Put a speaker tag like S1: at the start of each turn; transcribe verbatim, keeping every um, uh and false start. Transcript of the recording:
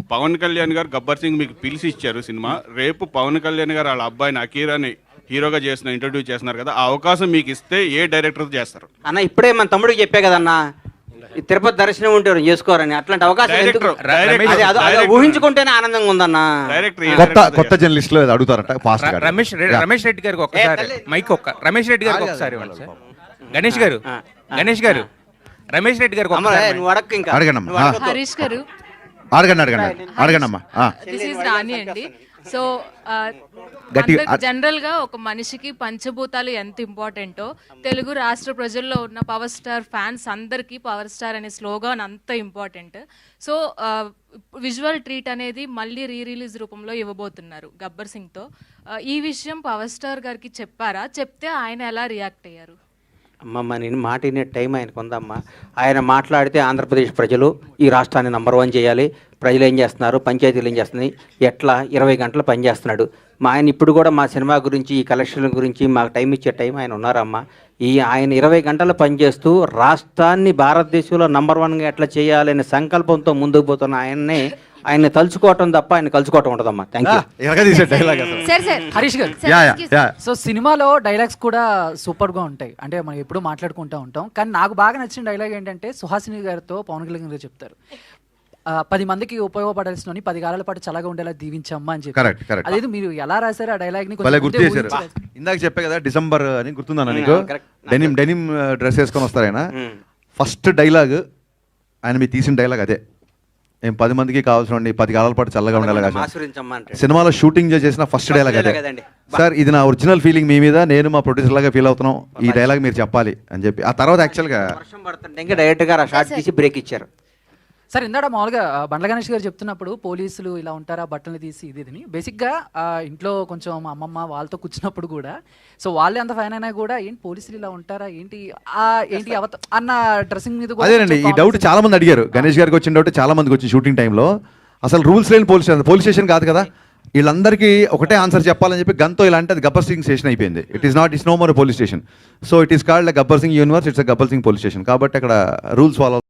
S1: పవన్ కళ్యాణ్ గారు గబ్బర్ సింగ్ మీకు పిలిచి ఇచ్చారు సినిమా. రేపు పవన్ కళ్యాణ్ గారు వాళ్ళ అబ్బాయిని అకీరాని హీరోగా చేసిన ఇంట్రడ్యూస్ చేస్తున్నారు కదా, ఆ అవకాశం మీకు ఇస్తే ఏ డైరెక్టర్ చేస్తారు
S2: అన్న? ఇప్పుడే మన తమ్ముడికి చెప్పే కదన్నా, ఈ తిరుపతి దర్శనం ఉంటే చేసుకోరని. అట్లాంటి అవకాశం ఎందుకు? అది అది- అది ఊహించుకుంటేనే ఆనందంగా ఉందన్న.
S3: కొత్త కొత్త జర్నలిస్ట్ లో అడుగుతారట ఫాస్ట్ గా.
S4: రమేష్ రమేష్ రెడ్డి గారికి ఒక్కసారి మైక్ ఒక్క రమేష్ రెడ్డి గారికి ఒకసారి ఇవ్వండి సార్. గణేష్ గారు గణేష్ గారు రమేష్ రెడ్డి గారికి
S2: అమ్మ,
S4: ఒకసారి
S2: నువ్వు అడగ ఇంకా
S3: అడగండి అమ్మా.
S5: హరీష్ గారు,
S3: అడగండి అడగండి అడగండి అమ్మా.
S5: దిస్ ఈజ్ రాణి అండి. సో
S3: గట్టిగా
S5: జనరల్ గా ఒక మనిషికి పంచభూతాలు ఎంత ఇంపార్టెంటో తెలుగు రాష్ట్ర ప్రజల్లో ఉన్న పవర్ స్టార్ ఫ్యాన్స్ అందరికీ పవర్ స్టార్ అనే స్లోగాన్ అంత ఇంపార్టెంట్. సో విజువల్ ట్రీట్ అనేది మళ్ళీ రీ రిలీజ్ రూపంలో ఇవ్వబోతున్నారు గబ్బర్ సింగ్తో. ఈ విషయం పవర్ స్టార్ గారికి చెప్పారా? చెప్తే ఆయన ఎలా రియాక్ట్ అయ్యారు?
S2: అమ్మమ్మ, నేను మాట వినే టైం ఆయనకు ఉందమ్మా. ఆయన మాట్లాడితే ఆంధ్రప్రదేశ్ ప్రజలు ఈ రాష్ట్రాన్ని నంబర్ వన్ చేయాలి, ప్రజలు ఏం చేస్తున్నారు, పంచాయతీలు ఏం చేస్తున్నాయి, ఎట్లా ఇరవై గంటలు పనిచేస్తున్నాడు మా ఆయన. ఇప్పుడు కూడా మా సినిమా గురించి, ఈ కలెక్షన్ల గురించి మాకు టైం ఇచ్చే టైం ఆయన ఉన్నారమ్మా. ఈ ఆయన ఇరవై గంటలు పనిచేస్తూ రాష్ట్రాన్ని భారతదేశంలో నంబర్ వన్గా ఎట్లా చేయాలనే సంకల్పంతో ముందుకు పోతున్న ఆయన్నే ఆయన తలుచుకోవటం తప్ప ఆయన కలుసుకోవటం ఉండదమ్మా. Thank you.
S3: Dialogue
S6: sir sir Harish garu,
S3: yeah yeah yeah
S6: so సినిమాలో డైలాగ్స్ కూడా సూపర్ గా ఉంటాయి, అంటే మనం ఎప్పుడు మాట్లాడుకుంటూ ఉంటాం. కానీ నాకు బాగా నచ్చిన డైలాగ్ ఏంటంటే సుహాసిని గారితో పవన్ కళ్యాణ్ గారు చెప్తారు, ఆ, పది మందికి ఉపయోగపడాల్సిన పది కాలాల పాటు చల్లగా ఉండేలా దీవించమ్మా అని చెప్పి.
S3: Correct correct.
S6: అదేదో మీరు ఎలా రాశారు ఆ డైలాగ్ ని?
S3: భలే గుర్తు చేశారు. ఇందాక చెప్పే కదా డిసెంబర్ అని గుర్తుందన్న నీకు? డెనిమ్ డెనిమ్ డ్రెస్ వేసుకొని వస్తారు ఆయన. ఫస్ట్ డైలాగ్ ఆయన మీరు తీసిన డైలాగ్ అదే, ఏం పది మందికి కావాల్సిన పది కాలాల పాటు చల్లగా ఉండేలాగా. సినిమాలో షూటింగ్ చేసిన ఫస్ట్ డైలాగ్ అదే. సార్ ఇది నా ఒరిజినల్ ఫీలింగ్ మీ మీద, నేను మా ప్రొడ్యూసర్ లాగా ఫీల్ అవుతున్నాం, ఈ డైలాగ్ మీరు చెప్పాలి అని చెప్పి. ఆ తర్వాత యాక్చువల్గా
S2: వర్షం పడుతుంటే ఇంకా డైరెక్ట్ గా షార్ట్ తీసి బ్రేక్ ఇచ్చారు.
S6: సార్ ఇందాక మామూలుగా బండ్ల గణేష్ గారు చెప్తున్నప్పుడు పోలీసులు ఇలా ఉంటారా బట్టలు తీసి ఇది ఇది బేసిక్గా ఇంట్లో కొంచెం మా అమ్మమ్మ వాళ్ళతో కూర్చున్నప్పుడు కూడా, సో వాళ్ళే అంత ఫైన్ అయినా కూడా ఏంటి పోలీసులు ఇలా ఉంటారా ఏంటి ఆ ఏంటి అవత అన్న డ్రెస్సింగ్ మీద కూడా
S3: అదేనండి ఈ డౌట్ చాలా మంది అడిగారు. గణేష్ గారికి వచ్చిన డౌట్ చాలా మందికి వచ్చింది షూటింగ్ టైంలో. అసలు రూల్స్ లేని పోలీస్ స్టేషన్, పోలీస్ స్టేషన్ కాదు కదా, వీళ్ళందరికీ ఒకటే ఆన్సర్ చెప్పాలని చెప్పి గన్తో ఇలా అంటే అది గబ్బర్ సింగ్ స్టేషన్ అయిపోయింది. It is not it's no more police station. So it is called Gabbar Singh universe, it's Gabbar Singh police station. కాబట్టి అక్కడ రూల్స్ ఫాలో